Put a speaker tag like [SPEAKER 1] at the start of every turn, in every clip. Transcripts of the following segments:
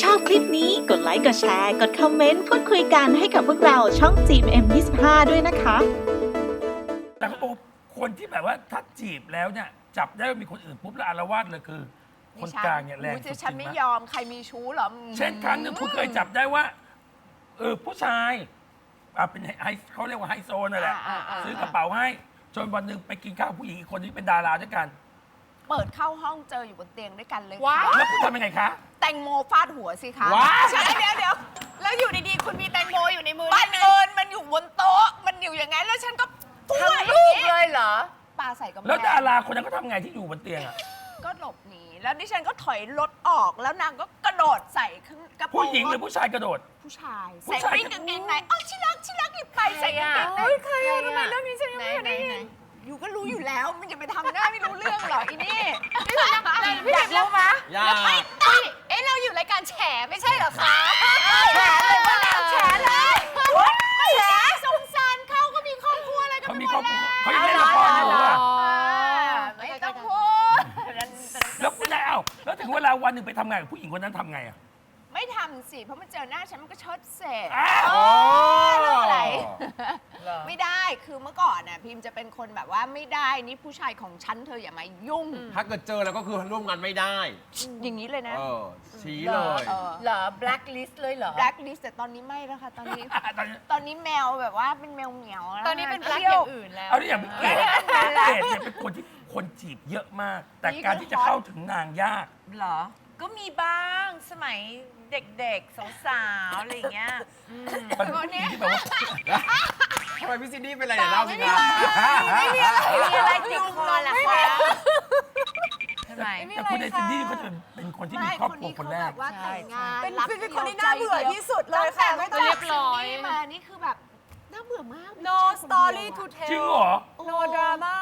[SPEAKER 1] ชอบคลิปนี้กดไลค์กดแชร์กดคอมเมนต์พูดคุยกันให้กับพวกเราช่อง GMM25 ด้วยนะคะ
[SPEAKER 2] แต่เขาบอกคนที่แบบว่าถ้าจีบแล้วเนี่ยจับได้ว่ามีคนอื่นปุ๊บแล้วอาละวาดเลยคือ คนกลางเนี่ยแรงสุดจริง
[SPEAKER 3] ฉันไม่
[SPEAKER 2] ไหม
[SPEAKER 3] ยอมใครมีชู้เหรอ
[SPEAKER 2] เช่นครั้งหนึ่งคุณเคยจับได้ว่าผู้ชายเป็นเขาเรียกว่าไฮโซนั่นแหละซื้อกระเป๋าให้จนวันหนึ่งไปกินข้าวผู้หญิงอีกคนที่เป็นดาราด้วยกัน
[SPEAKER 3] เปิดเข้าห้องเจออยู่บนเตียงด้วยกันเลย
[SPEAKER 4] ว้า
[SPEAKER 3] ค่ะ
[SPEAKER 2] แล้วคุณทำยังไงคะ
[SPEAKER 3] แตงโมฟาดหัวสิคะ
[SPEAKER 2] ว้าว
[SPEAKER 3] ใช่เดี๋ยว
[SPEAKER 4] แล้วอยู่ดีๆ คุณมีแตงโมอยู่ในมือ
[SPEAKER 3] บั
[SPEAKER 4] ได้
[SPEAKER 3] ง
[SPEAKER 4] ไง
[SPEAKER 3] เอิญมันอยู่บนโต๊ะมันอยู่อย่างนั้นแล้วฉันก็พุ่ง
[SPEAKER 4] ทั้งลูกเลยเหรอ
[SPEAKER 3] ปาใส่กำแพง
[SPEAKER 2] แล้วดาราคนนั้นก็ทำไงที่อยู่บนเตียงอ่ะ
[SPEAKER 3] ก็หลบหนีแล้วดิฉันก็ถอยรถออกแล้วนางก็กระโดดใส่ขึ้นกระโปรง
[SPEAKER 2] ผู้หญิงหรือผู้ชายกระโดด
[SPEAKER 3] ผู้ชาย
[SPEAKER 2] ผู้
[SPEAKER 3] ใส่
[SPEAKER 2] ชาย
[SPEAKER 3] วิ่งกางเกงในอ๋อชิรักหยิบไปใส่กางเกงในใครอะทำไมเรื่องนี้ฉันยังไม่เคยได้ยินอยู่ก็รู้อยู่แล้วมันจะไปทำหน้าไม่รู้เรื่องเหรออีนี่อยากรู้มะ
[SPEAKER 5] อย่า
[SPEAKER 4] เอ๊ะเราอยู่รายการแฉไม่ใช่เหรอคะ
[SPEAKER 3] แฉเลยว่าแล้วแฉเลยแฉสงสารเขาก็มีครอบครัวอะไรกัน
[SPEAKER 2] เขา
[SPEAKER 3] ไป
[SPEAKER 2] มี
[SPEAKER 3] หม
[SPEAKER 2] ครอบ
[SPEAKER 3] ด
[SPEAKER 2] ครัว
[SPEAKER 3] แล้ว
[SPEAKER 2] เขายังเล่นละครอยู่อ่ะ
[SPEAKER 3] ไม่ต้องพูด
[SPEAKER 2] แล้วคุณนายแล้วถึงเวลาวันหนึ่งไปทำงานกับผู้หญิงคนนั้นทำไงอ่ะ
[SPEAKER 3] ไม่ทำสิเพราะมันเจอหน้าฉันมันก็เชิดเสร็จ
[SPEAKER 2] อ้าว
[SPEAKER 3] เรื่องอะไร
[SPEAKER 4] เหรอ
[SPEAKER 3] ไม่ได้คือเมื่อก่อนน่ะพิมจะเป็นคนแบบว่าไม่ได้นี่ผู้ชายของฉันเธออย่ามายุ่ง
[SPEAKER 5] ถ้าเกิดเจอแล้วก็คือร่วมงานไม่ได้
[SPEAKER 3] อย่างนี้เลยนะ
[SPEAKER 5] ชี้เลย
[SPEAKER 4] เหรอ blacklist เลยเหรอ
[SPEAKER 3] แบล็คลิสแต่ตอนนี้ไม่แล้วค่ะตอนนี้
[SPEAKER 2] ตอนนี้
[SPEAKER 3] ตอนนี้แมวแบบว่าเป็นแมวเหมียวแล้ว
[SPEAKER 4] ตอนนี้เป็น black
[SPEAKER 3] ที่
[SPEAKER 4] อ
[SPEAKER 3] ยว
[SPEAKER 4] ย่างอื่นแล้ว
[SPEAKER 2] เอาที่อย่างพี่เกดเนี่ยเป็นคนที่คนจีบเยอะมาก แต่การที่จะเข้าถึงนางยาก
[SPEAKER 6] เหรอ ก็มีบ้างสมัยเด็กๆ สาวๆ อะไรอย่างเงี้ย
[SPEAKER 2] มันเป็นผู้หญิงที่แบบว่า
[SPEAKER 5] ทำไมพี่ซินดี้เป็นอะไรเนี่ยเล่าสิครับ
[SPEAKER 6] มีอะไรติดคอล่ะคะทำไม
[SPEAKER 2] แต่คุณในซินดี้เขาจะเป็นคนที่มีครอบครัวคนแรก
[SPEAKER 3] ว่าแต่งงาน
[SPEAKER 4] เป็น
[SPEAKER 3] รัก
[SPEAKER 4] เป็นคนที่น่าเบื่อที่สุดเลย
[SPEAKER 3] ตั้งแต่
[SPEAKER 4] ค่ะ
[SPEAKER 3] ไม่
[SPEAKER 4] เรียบร้อย
[SPEAKER 3] ซินดี้มานี่คือแบบน่าเบื่อมาก
[SPEAKER 4] no story to
[SPEAKER 2] จริง
[SPEAKER 4] tell
[SPEAKER 2] เหรอ
[SPEAKER 4] no drama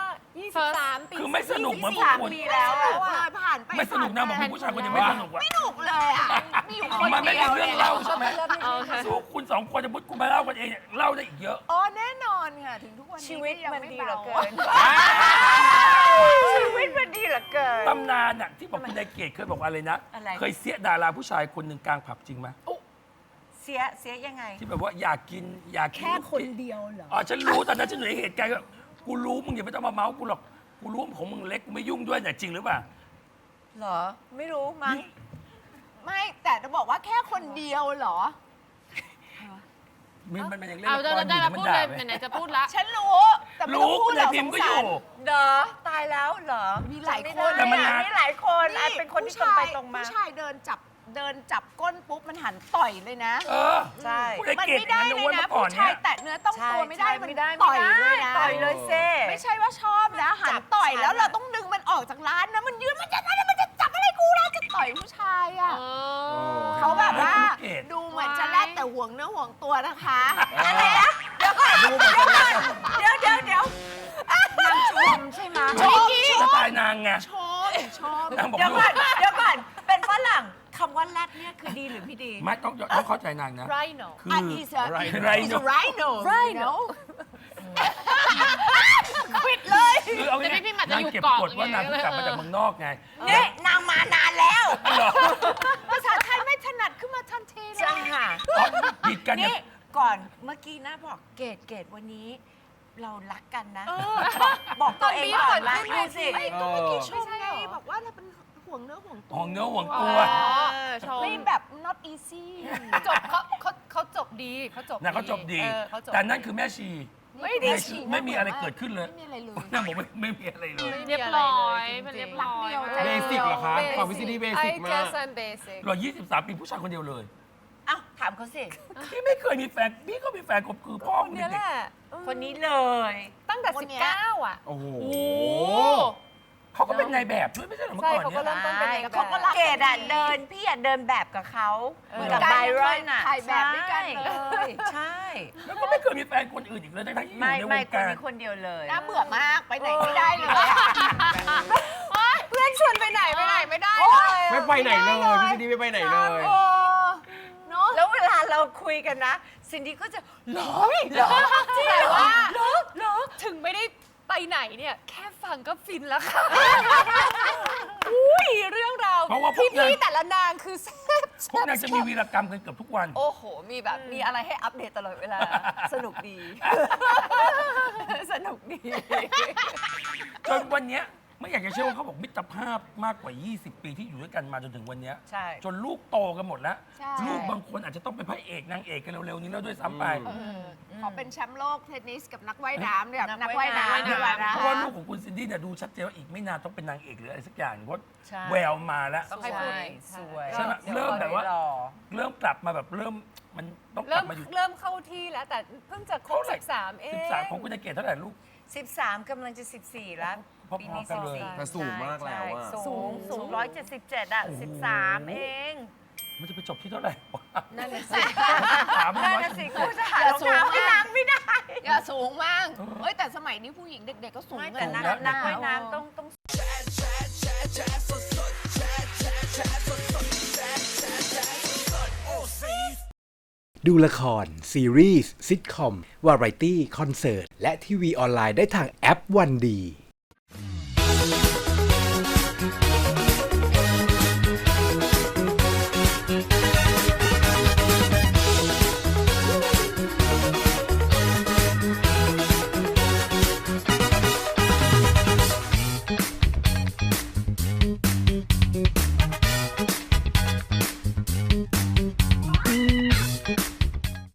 [SPEAKER 4] 23 ปี
[SPEAKER 2] คือไม่สนุกเหมือนพวก
[SPEAKER 3] 3
[SPEAKER 2] คุณ
[SPEAKER 3] ปีแล้วอะผ่านไป
[SPEAKER 2] ไม่สนุกนะบอกผู้ชายคนยังไม่สนุกว่ะ
[SPEAKER 3] ไม่สนุกเลยอ่ะมีอยู่คน
[SPEAKER 2] มันไม่
[SPEAKER 3] เดี
[SPEAKER 2] มี
[SPEAKER 3] ยว
[SPEAKER 2] เรื่องเล่าใช่ไหม
[SPEAKER 4] โอเค
[SPEAKER 2] สู้คุณสองคนจะมุดคุณมาเล่ากันเองเนี่ยเล่าได้อีกเยอะ
[SPEAKER 3] อ๋อแน่นอนค่ะถึงทุกวันนี้
[SPEAKER 6] ชีวิต
[SPEAKER 3] ยัง
[SPEAKER 6] มัน
[SPEAKER 3] ไ
[SPEAKER 6] ดีเหลือเกิน
[SPEAKER 3] บา
[SPEAKER 6] ชีวิตมันดีเหลือเกิน
[SPEAKER 2] ตำนานน่ะที่บอกคุณนายเกดเคยบอกว่าอะไรนะ
[SPEAKER 6] อะไร
[SPEAKER 2] เคยเสียดาราผู้ชายคนหนึ่งกลางผับจริงไหม
[SPEAKER 6] เสียยังไง
[SPEAKER 2] ที่แบบว่าอยากกินแค่
[SPEAKER 3] คนเดียวเหรอ
[SPEAKER 2] อ๋อฉันรู้ตอนนั้นฉันอยู่ในเหตุการณ์ก็กูรู้มึงอย่าไม่ต้องมาเมาส์กูหรอกกูรู้ว่าของมึงเล็กกูไม่ยุ่งด้วยเนี่ยจริงหรือเปล่า
[SPEAKER 6] เหรอ ไม่รู้มั้ง
[SPEAKER 3] ไม่แต่จะบอกว่าแค่คนเดียวเหรอ
[SPEAKER 2] มันยังเล่น
[SPEAKER 4] เอา
[SPEAKER 2] ละคร
[SPEAKER 4] ได้
[SPEAKER 2] อยู่
[SPEAKER 4] แล้ว
[SPEAKER 2] มัน
[SPEAKER 4] พูด
[SPEAKER 2] ด่า
[SPEAKER 4] เลย
[SPEAKER 2] ไหม
[SPEAKER 4] ไหนๆจะพูดละ
[SPEAKER 3] ฉันรู้แต่ไม่ต้
[SPEAKER 2] รู้
[SPEAKER 3] องพู
[SPEAKER 2] คุ
[SPEAKER 3] ด
[SPEAKER 2] ณ
[SPEAKER 3] หร
[SPEAKER 2] นาย
[SPEAKER 3] อก
[SPEAKER 2] พิ
[SPEAKER 3] ส
[SPEAKER 2] ม
[SPEAKER 3] ง
[SPEAKER 2] ก็อ
[SPEAKER 3] สาร
[SPEAKER 2] ยู่
[SPEAKER 6] เหรอ ตายแล้วเหรอ
[SPEAKER 3] มีหลายคน
[SPEAKER 2] แต่มันนาน
[SPEAKER 6] มีหลายคนอาจเป็นคนที่ตรงไปตรงมา
[SPEAKER 3] ผู้ชายเดินจับก้นปุ๊บมันหันต่อยเลยนะ
[SPEAKER 2] เออ
[SPEAKER 6] ใช่
[SPEAKER 2] คุณนาย
[SPEAKER 3] มัน
[SPEAKER 2] เกด
[SPEAKER 3] ไม่ได้
[SPEAKER 2] อย่าง
[SPEAKER 3] เล
[SPEAKER 2] นั้น
[SPEAKER 3] ย
[SPEAKER 2] นะ
[SPEAKER 3] นะ
[SPEAKER 2] เมื่อก่อน
[SPEAKER 3] ผู้
[SPEAKER 2] เนี่
[SPEAKER 3] ชาย
[SPEAKER 2] ย
[SPEAKER 3] แตะเนื้อต้องตัวไม่ได้มัน
[SPEAKER 6] ไม่ได้
[SPEAKER 3] ต่อยเลยนะ
[SPEAKER 6] ต่อยเลยเซ่
[SPEAKER 3] ไม่ใช่ว่าชอบนะ หันต่อยแล้วเราต้องดึงมันออกจากร้านนะมันยืนมันจะจับอะไรกูนะจะต่อยผู้ชายอ่ะ เขาแบบว่า
[SPEAKER 2] เกด
[SPEAKER 3] ดูเหมือนจะแลกแต่ห่วงเนื้อห่วงตัวนะคะ
[SPEAKER 6] อะไรนะเดี๋ยวก่อนเดี๋ยว นางชมใช่ไหม
[SPEAKER 3] ชม
[SPEAKER 2] สไตล์นางไง
[SPEAKER 3] ชอบ
[SPEAKER 2] นางบอก
[SPEAKER 6] เดี๋ยว
[SPEAKER 2] ลู
[SPEAKER 6] ก่อก นเดี๋ยวก่อนเป็นฝรั่งคำว่าแรดเนี่ยคือดีหรือไม่ดี
[SPEAKER 2] ไม่ต้องเข้าใจนางนะ
[SPEAKER 4] Rhino
[SPEAKER 2] คือ
[SPEAKER 3] อันนี้จะ
[SPEAKER 2] Rhino
[SPEAKER 3] Rhino
[SPEAKER 4] Rhino
[SPEAKER 3] ควิดเลย
[SPEAKER 2] คือเอา
[SPEAKER 4] แต่
[SPEAKER 2] ง่าย
[SPEAKER 4] พี่หมัดจะ
[SPEAKER 2] นาง
[SPEAKER 4] อยู่
[SPEAKER 2] เก็บ
[SPEAKER 4] เกาะ
[SPEAKER 2] กดว่านาง
[SPEAKER 4] ไง
[SPEAKER 2] เพิ่งกลับมาจากเมืองนอกไง
[SPEAKER 6] เนี่ยนางมานานแล้ว
[SPEAKER 2] เหรอ
[SPEAKER 3] ภาษาไทยไม่ถนัดขึ้นมาทันทีเล
[SPEAKER 6] จัง
[SPEAKER 3] ย
[SPEAKER 6] ค่ะ
[SPEAKER 2] ผิดกันเนี่
[SPEAKER 6] นี่
[SPEAKER 2] ย
[SPEAKER 6] ก่อนเมื่อกี้นะบอกเกดวันนี้ เรารักกันนะบอกตัวเองก่อนรักดูสิ
[SPEAKER 3] ไม่ก็เมื่อกี้ชมไงบอกว่าเราเป็นห่วงเนื้อห่วงตัว
[SPEAKER 2] ห่วงเนื้อห่วง
[SPEAKER 4] อ๋
[SPEAKER 2] ตั
[SPEAKER 4] อ
[SPEAKER 2] ว
[SPEAKER 4] ชม
[SPEAKER 3] ไม่แบบ not easy
[SPEAKER 4] จบเขาจบดีเขาจบ
[SPEAKER 2] นะเขาจบดี
[SPEAKER 4] เขาจบ
[SPEAKER 2] แต่นั่นคือแม่ชี
[SPEAKER 3] ไม่ได้ฉีด
[SPEAKER 2] ไม่มีอะไรเกิดขึ้นเลย
[SPEAKER 3] ไม่มีอะไรเลย
[SPEAKER 2] นางบอกไม่มีอะไรเลย
[SPEAKER 4] เรียบร้อยมันเรียบร้อย
[SPEAKER 5] เบสิกเหรอคะฝั่งพี่ซินดี้เบสิกมาก
[SPEAKER 4] I guess I'm basic
[SPEAKER 2] เรา23 ปีผู้ชายคนเดียวเลย
[SPEAKER 6] เอ้าถามเขาสิ
[SPEAKER 2] พี่ไม่เคยมีแฟน พี่ก็มีแฟนกบคือพ่อ
[SPEAKER 4] คน
[SPEAKER 2] ผม
[SPEAKER 4] เนี้ยแห
[SPEAKER 2] เด็ก
[SPEAKER 4] ละ
[SPEAKER 6] คนนี้เลย
[SPEAKER 4] ตั้งแต่
[SPEAKER 3] คนเนี้ย
[SPEAKER 4] 19อ่ะ
[SPEAKER 5] โอ้โห
[SPEAKER 4] โอ้
[SPEAKER 2] ๆเขาก็เป็นนายแบบด้วยไม่ใช่เหรอเมื่อ
[SPEAKER 4] ใช่
[SPEAKER 2] ก่อน
[SPEAKER 4] เขาก็
[SPEAKER 2] เนี่ย
[SPEAKER 4] เริ่มต้นเป็นนายแบบ
[SPEAKER 3] เขาก็รัก
[SPEAKER 6] เกดอะเดินพี่อะเดินแบบกับเขาเหมือนกับ
[SPEAKER 3] เหมือนกัน
[SPEAKER 6] ไบรอนอะ
[SPEAKER 3] ถ่ายแบบด้วยกันเลย
[SPEAKER 6] ใช่
[SPEAKER 2] แล้วก็ไม่เคยมีแฟนคนอื่นอีกเลยทั้งที่อยู่
[SPEAKER 6] ไม่
[SPEAKER 2] ในว
[SPEAKER 6] ไม่
[SPEAKER 2] ง
[SPEAKER 6] คน
[SPEAKER 2] การ
[SPEAKER 6] นี้คนเดียวเลย
[SPEAKER 3] น่าเบื่อมากไปไหนไม่ได้เลยอะ
[SPEAKER 4] เพื่อนชวนไปไหนไม่ได้
[SPEAKER 5] ไม่ไปไหนเลยพี่ซินดี้ไม่ไปไหนเลย
[SPEAKER 3] โอ้เนาะ
[SPEAKER 6] แล้วเวลาเราคุยกันนะซินดี้ก็จะหรอหรอ
[SPEAKER 4] แต่ว่าถึงไม่ได้ไปไหนเนี่ย แค่ฟังก็ฟินแล้วค่ะอุ้ยเรื่องราว
[SPEAKER 2] เพราะว่าพวกนาง
[SPEAKER 4] พี่แต่ละนางคือแซ่บ
[SPEAKER 2] พวกนางจะมีวีรกรรมกันเกือบทุกวัน
[SPEAKER 6] โอ้โห มีแบบมีอะไรให้อัปเดตตลอดเวลา สนุกดี สนุกดี
[SPEAKER 2] จนวันเนี้ยไม่อยากจะเชื่อว่าเขาบอกมิตรภาพมากกว่า 20 ปีที่อยู่ด้วยกันมาจนถึงวันเนี้ย
[SPEAKER 6] ใช่
[SPEAKER 2] จนลูกโตกันหมดแล้ว
[SPEAKER 3] ใช่
[SPEAKER 2] ลูกบางคนอาจจะต้องเป็นพระเอกนางเอกกันเร็วๆนี้แล้วด้วยซ้ำไป
[SPEAKER 3] ขอเป็นแชมป์โลกเทนนิสกับนักว่ายน้ำเนี่ย
[SPEAKER 6] นั
[SPEAKER 3] นั
[SPEAKER 6] ก
[SPEAKER 3] ก
[SPEAKER 6] ว่า
[SPEAKER 3] ว่าย ย
[SPEAKER 6] น้ำ
[SPEAKER 3] น้ำดีกว่านะ
[SPEAKER 2] เพราะว่าลูกของคุณซินดี้เนี่ยดูชัดเจนว่าอีกไม่นานต้องเป็นนางเอกหรืออะไรสักอย่างหนึ่งเพราะ
[SPEAKER 6] ใช่
[SPEAKER 2] แววมาแล้ว
[SPEAKER 6] ต้องให้พูดสวย
[SPEAKER 2] ใช่ไหมเริ่มแบบว่า เริ่มกลับมาแบบเริ่มมันต้องก
[SPEAKER 4] เริ่
[SPEAKER 2] ลั
[SPEAKER 4] ม
[SPEAKER 2] บมาอยู่
[SPEAKER 4] เริ่มเข้าที่แล้วแต่เพิ่งจะครบ
[SPEAKER 2] เท่าไหร่
[SPEAKER 4] 13เอง
[SPEAKER 2] 13ของคุณเกศเท่าไหร่ลูก
[SPEAKER 6] 13กำลังจะ 14 แล้ว
[SPEAKER 2] พอๆ
[SPEAKER 6] ปีนี้
[SPEAKER 2] กันเลย
[SPEAKER 6] 14
[SPEAKER 5] แต่สูงมากแล้วอะ
[SPEAKER 6] ใช่สูง177 อ่ะ 13 เอง
[SPEAKER 2] มันจะไปจบที่เท่าไหร่วะ
[SPEAKER 6] นั่นน่ะสิ
[SPEAKER 2] ถาม
[SPEAKER 6] นั่น
[SPEAKER 2] ว่า
[SPEAKER 6] น่ะสิกูจะหารองเท้าให้นางไม่ได้
[SPEAKER 3] อย่าสูงมากเฮ้ยแต่สมัยนี้ผู้หญิงเด็กๆก็สูง
[SPEAKER 6] ไม่
[SPEAKER 3] กั
[SPEAKER 6] แต่
[SPEAKER 3] น
[SPEAKER 6] นั
[SPEAKER 3] นะ
[SPEAKER 6] กนักว่ายน้ำต้อง
[SPEAKER 7] ดูละคร ซีรีส์ซิทคอม วาไรตี้ คอนเสิร์ต และทีวีออนไลน์ได้ทางแอปวันดี